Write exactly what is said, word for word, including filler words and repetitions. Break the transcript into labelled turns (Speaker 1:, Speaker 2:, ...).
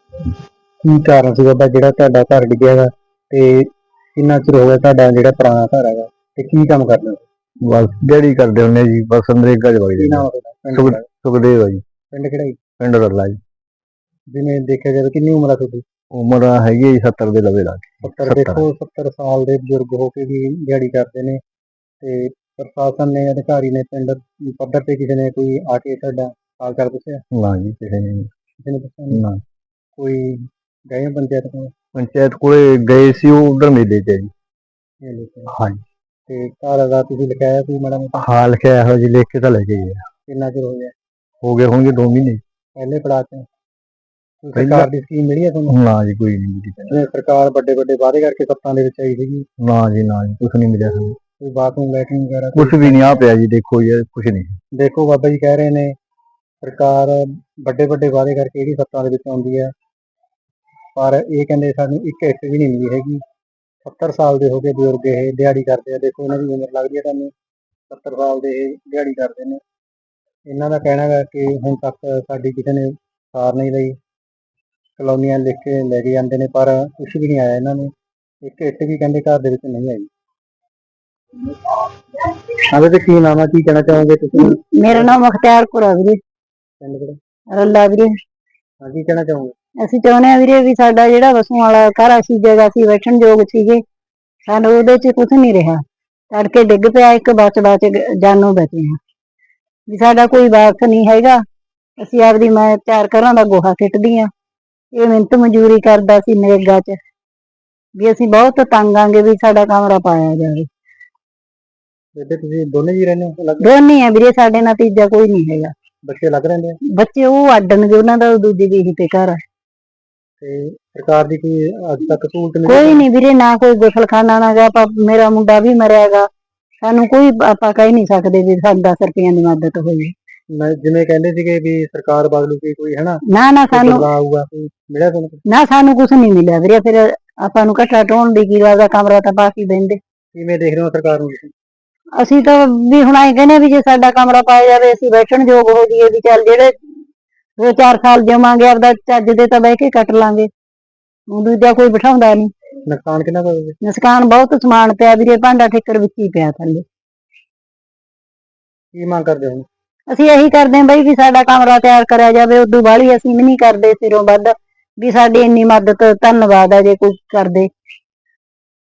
Speaker 1: ਕੀ ਕਾਰਨ ਸੀ ਬਾਬਾ ਜਿਹੜਾ ਤੁਹਾਡਾ ਘਰ ਡਿੱਗਿਆ ਗਾ ਤੇ ਕਿੰਨਾ ਚਿਰ ਹੋ ਗਿਆ ਤੁਹਾਡਾ ਜਿਹੜਾ ਪੁਰਾਣਾ ਘਰ ਹੈਗਾ ਤੇ ਕੀ ਕੰਮ ਕਰਦੇ ਹੋ?
Speaker 2: ਬਸ ਦਿਹਾੜੀ ਕਰਦੇ ਹੁੰਦੇ ਜੀ, ਬਸ ਨਰੇਗਾ ਚ ਵਗ
Speaker 1: ਕੀ ਨਾਮ
Speaker 2: ਜਾਂਦੇ।
Speaker 1: ਹੈ ਤੁਹਾਡਾ? ਪਿੰਡ
Speaker 2: ਸੁਖ
Speaker 1: ਕਿਹੜਾ?
Speaker 2: ਸੁਖਦੇਵ ਆ ਜੀ,
Speaker 1: ਪਿੰਡ ਕਿਹੜਾ ਜੀ?
Speaker 2: ਪਿੰਡ ਰੱਲਾ ਜੀ।
Speaker 1: ਜਿਵੇਂ ਦੇਖਿਆ ਜਾਵੇ ਕਿੰਨੀ ਉਮਰ ਆ ਤੁਹਾਡੀ?
Speaker 2: ਉਮਰ ਹੈਗੀ ਹੈ ਜੀ ਸੱਤਰ ਦੇ ਲਵੇ ਲਾ ਕੇ।
Speaker 1: ਸੱਤਰ। ਦੇਖੋ ਸੱਤਰ ਸਾਲ ਦੇ ਬਜ਼ੁਰਗ ਹੋ ਕੇ ਵੀ ਦਿਹਾੜੀ ਕਰਦੇ ਨੇ ਤੇ ਪ੍ਰਸ਼ਾਸਨ ਨੇ, ਅਧਿਕਾਰੀ ਨੇ, ਪਿੰਡ ਪੱਧਰ ਤੇ ਕਿਸੇ ਨੇ ਕੋਈ ਆ ਕੇ ਤੁਹਾਡਾ ਹਾਲ ਚਾਲ ਪੁੱਛਿਆ?
Speaker 2: ਨਾ ਜੀ, ਕਿਸੇ ਨੇ
Speaker 1: ਕਿਸੇ ਨੇ ਪੁੱਛਿਆ ਨਹੀਂ?
Speaker 2: ਨਾ।
Speaker 1: ਕੋਈ ਗਏ ਹੋ ਪੰਚਾਇਤ ਕੋਲ?
Speaker 2: ਪੰਚਾਇਤ ਕੋਲੇ ਗਏ ਸੀ, ਉਹ ਉਧਰ ਮੇਲੇ ਚ ਜੀ।
Speaker 1: ਇਹ ਲਿਖਿਆ
Speaker 2: ਹਾਂਜੀ।
Speaker 1: ਤੇ ਘਰ ਦਾ ਤੁਸੀਂ ਲਿਖਾਇਆ ਕੋਈ ਮਾੜਾ ਮੋਟਾ?
Speaker 2: ਹਾਂ ਲਿਖਿਆ ਇਹੋ ਜੀ, ਲਿਖ ਕੇ ਤਾਂ ਲੈ ਕੇ ਗਏ।
Speaker 1: ਕਿੰਨਾ ਚਿਰ ਹੋ ਗਿਆ?
Speaker 2: ਹੋ ਗਏ ਹੋਣਗੇ ਦੋ ਮਹੀਨੇ।
Speaker 1: ਪਹਿਲੇ ਪੜਾਅ ਚ ਕੋਈ ਸਰਕਾਰ ਦੀ ਸਕੀਮ ਮਿਲੀ ਹੈ ਤੁਹਾਨੂੰ?
Speaker 2: ਨਾ ਜੀ, ਕੋਈ ਨਹੀਂ ਮਿਲੀ।
Speaker 1: ਜਿਵੇਂ ਸਰਕਾਰ ਵੱਡੇ ਵੱਡੇ ਵਾਅਦੇ ਕਰਕੇ ਸੱਤਾਂ ਦੇ ਵਿੱਚ ਆਈ ਸੀਗੀ,
Speaker 2: ਨਾ ਜੀ, ਨਾ ਜੀ, ਕੁਛ ਨਹੀਂ ਮਿਲਿਆ ਸਾਨੂੰ।
Speaker 1: ਕੋਈ ਬਾਥਰੂਮ ਲੈਟਰਿੰਗ ਵਗੈਰਾ
Speaker 2: ਕੁਛ ਵੀ ਨਹੀਂ ਆ ਪਿਆ ਜੀ, ਦੇਖੋ ਜੀ, ਕੁਛ ਨਹੀਂ।
Speaker 1: ਦੇਖੋ ਬਾਬਾ ਜੀ ਕਹਿ ਰਹੇ ਨੇ ਸਰਕਾਰ ਵੱਡੇ ਵੱਡੇ ਵਾਅਦੇ ਕਰਕੇ ਜਿਹੜੀ ਸੱਤਾਂ ਦੇ ਵਿੱਚ ਆਉਂਦੀ ਹੈ, ਪਰ ਇਹ ਕਹਿੰਦੇ ਸਾਨੂੰ ਇੱਕ ਇੱਟ ਵੀ ਨਹੀਂ ਮਿਲੀ ਹੈਗੀ। ਸੱਤਰ ਸਾਲ ਦੇ ਹੋ ਕੇ ਬਜ਼ੁਰਗ ਇਹ ਦਿਹਾੜੀ ਕਰਦੇ ਆ। ਦੇਖੋ ਇਹਨਾਂ ਦੀ ਉਮਰ ਲੱਗਦੀ ਹੈ ਤੁਹਾਨੂੰ, ਸੱਤਰ ਸਾਲ ਦੇ ਇਹ ਦਿਹਾੜੀ ਕਰਦੇ ਨੇ। ਇਹਨਾਂ ਦਾ ਕਹਿਣਾ ਹੈ ਕਿ ਹੁਣ ਤੱਕ ਸਾਡੀ ਕਿਸੇ ਨੇ ਸਾਰ ਨਹੀਂ ਲਈ, ਕਲੋਨੀਆਂ ਲਿਖ ਕੇ ਲੈ ਕੇ ਜਾਂਦੇ ਨੇ ਪਰ ਕੁਛ ਵੀ ਨਹੀਂ ਆਇਆ ਇਹਨਾਂ ਨੂੰ। ਇੱਕ ਇੱਟ ਵੀ ਕਹਿੰਦੇ ਘਰ ਦੇ ਵਿੱਚ ਨਹੀਂ ਆਈ। ਹਾਂ ਤੇ ਕੀ ਨਾਮ ਆ, ਕੀ ਕਹਿਣਾ ਚਾਹੋਗੇ ਤੁਸੀਂ?
Speaker 3: ਮੇਰਾ ਨਾਮ ਮੁਖਤਿਆਰ ਕੌਰ ਆ ਵੀਰੇ,
Speaker 1: ਪਿੰਡ ਕਿਹੜਾ?
Speaker 3: ਰੱਲਾ ਵੀਰੇ।
Speaker 1: ਹਾਂ, ਕੀ ਕਹਿਣਾ ਚਾਹੋਗੇ?
Speaker 3: ਅਸੀਂ ਚਾਹੁੰਦੇ ਆ ਵੀਰੇ ਵੀ ਸਾਡਾ ਜਿਹੜਾ ਵਸੋਂ ਵਾਲਾ ਘਰ ਸੀ, ਜਗ੍ਹਾ ਸੀ, ਬੈਠਣ ਯੋਗ ਸੀਗੇ, ਸਾਨੂੰ ਉਹਦੇ ਚ ਕੁਛ ਨਹੀਂ ਰਿਹਾ। ਤੜਕੇ ਡਿੱਗ ਪਿਆ, ਇੱਕ ਬਚ ਬਚ ਜਾਨੋਂ ਬਚੇ ਆ ਵੀ ਸਾਡਾ ਕੋਈ ਵਾਰਸ ਨਹੀਂ ਹੈਗਾ। ਅਸੀਂ ਆਪਦੀ ਮੈਂ ਚਾਰ ਘਰਾਂ ਦਾ ਗੋਹਾ ਸਿੱਟਦੀ ਆ, ਇਹ ਮਿਹਨਤ ਮਜ਼ਦੂਰੀ ਕਰਦਾ ਸੀ ਨਰੇਗਾ ਚ, ਵੀ ਅਸੀਂ ਬਹੁਤ ਤੰਗ ਆਂਗੇ ਵੀ ਸਾਡਾ ਕਮਰਾ ਪਾਇਆ ਜਾਵੇ।
Speaker 1: ਬੇਬੇ ਤੁਸੀਂ ਦੋਨੇ ਜੀ ਰਹਿੰਦੇ ਹੋ?
Speaker 3: ਦੋਨੇ ਆ ਵੀਰੇ, ਸਾਡੇ ਨਾਲ ਤੀਜਾ ਕੋਈ ਨਹੀਂ ਹੈਗਾ।
Speaker 1: ਬੱਚੇ ਲੱਗ ਰਹਿੰਦੇ ਆ?
Speaker 3: ਬੱਚੇ ਉਹ ਅੱਡਣਗੇ, ਉਹਨਾਂ ਦਾ ਦੂਜੀ ਦੀ ਤੇ ਘਰ ਆ।
Speaker 1: ਤੇ ਸਰਕਾਰ ਦੀ ਕੋਈ ਅੱਜ ਤੱਕ ਸਹੂਲਤ ਮਿਲੀ?
Speaker 3: ਕੋਈ ਨਹੀਂ ਵੀਰੇ, ਨਾ ਕੋਈ ਗੁਸਲਖਾਨਾ ਨਾ ਗਾ। ਮੇਰਾ ਮੁੰਡਾ ਵੀ ਮਰਿਆ ਗਾ, ਸਾਨੂੰ ਕੋਈ ਆਪਾਂ ਕਹਿ ਨਹੀਂ ਸਕਦੇ ਵੀ ਸਾਨੂੰ ਦਸ ਰੁਪਈਆਂ ਦੀ ਮਦਦ ਹੋਈ।
Speaker 1: ਮੈਂ ਜਿਵੇਂ ਕਹਿੰਦੇ ਸੀਗੇ ਵੀ ਸਰਕਾਰ ਬਦਲੂਗੀ ਕੋਈ, ਹਨਾ,
Speaker 3: ਨਾ ਨਾ ਸਾਨੂੰ
Speaker 1: ਆਊਗਾ, ਕੋਈ ਮਿਲਿਆ ਤੁਹਾਨੂੰ?
Speaker 3: ਨਾ ਸਾਨੂੰ ਕੁਛ ਨਹੀਂ ਮਿਲਿਆ ਵੀਰੇ। ਫਿਰ ਆਪਾਂ ਨੂੰ ਘੱਟਾ ਢੋਣ ਦੀ ਕੀ ਦਾ ਕਮਰਾ ਤਾਂ ਪਾ ਕੇ ਬਹਿੰਦੇ।
Speaker 1: ਕਿਵੇਂ ਦੇਖ ਰਹੇ ਹੋ ਸਰਕਾਰ ਨੂੰ ਤੁਸੀਂ?
Speaker 3: ਅਸੀਂ ਤਾਂ ਵੀ ਹੁਣ ਆਏ ਕਹਿੰਦੇ ਵੀ ਜੇ ਸਾਡਾ ਕਮਰਾ ਪਾਇਆ ਜਾਵੇ, ਅਸੀਂ ਬੈਠਣ ਯੋਗ ਹੋ ਜਾਈਏ, ਵੀ ਚੱਲ ਜਿਹੜੇ ਦੋ ਚਾਰ ਸਾਲ ਜਮਾਂਗੇ ਆਪਦਾ ਚੱਜ ਦੇ ਤਾਂ ਬਹਿ ਕੇ ਕੱਟ ਲਾਂਗੇ। ਦੂਜਾ ਕੋਈ ਬਿਠਾਉਂਦਾ ਨਹੀਂ।
Speaker 1: ਨੁਕਸਾਨ ਕਿੰਨਾ ਕੁ ਹੋਵੇ?
Speaker 3: ਨੁਕਸਾਨ ਬਹੁਤ ਸਮਾਨ ਪਿਆ ਵੀਰੇ, ਭਾਂਡਾ ਠਿੱਕਰ ਵਿੱਚ ਹੀ ਪਿਆ ਥੱਲੇ।
Speaker 1: ਕੀ ਮੰਗ ਕਰਦੇ ਹੋ?
Speaker 3: ਅਸੀਂ ਇਹੀ ਕਰਦੇ ਹਾਂ ਬਈ ਵੀ ਸਾਡਾ ਕਮਰਾ ਤਿਆਰ ਕਰਿਆ ਜਾਵੇ। ਉਦੋਂ ਬਾਹਲੀ ਅਸੀਂ ਵੀ ਨਹੀਂ ਕਰਦੇ ਸਿਰੋਂ ਵੱਧ, ਵੀ ਸਾਡੀ ਇੰਨੀ ਮਦਦ ਧੰਨਵਾਦ ਆ ਜੇ ਕੋਈ ਕਰਦੇ।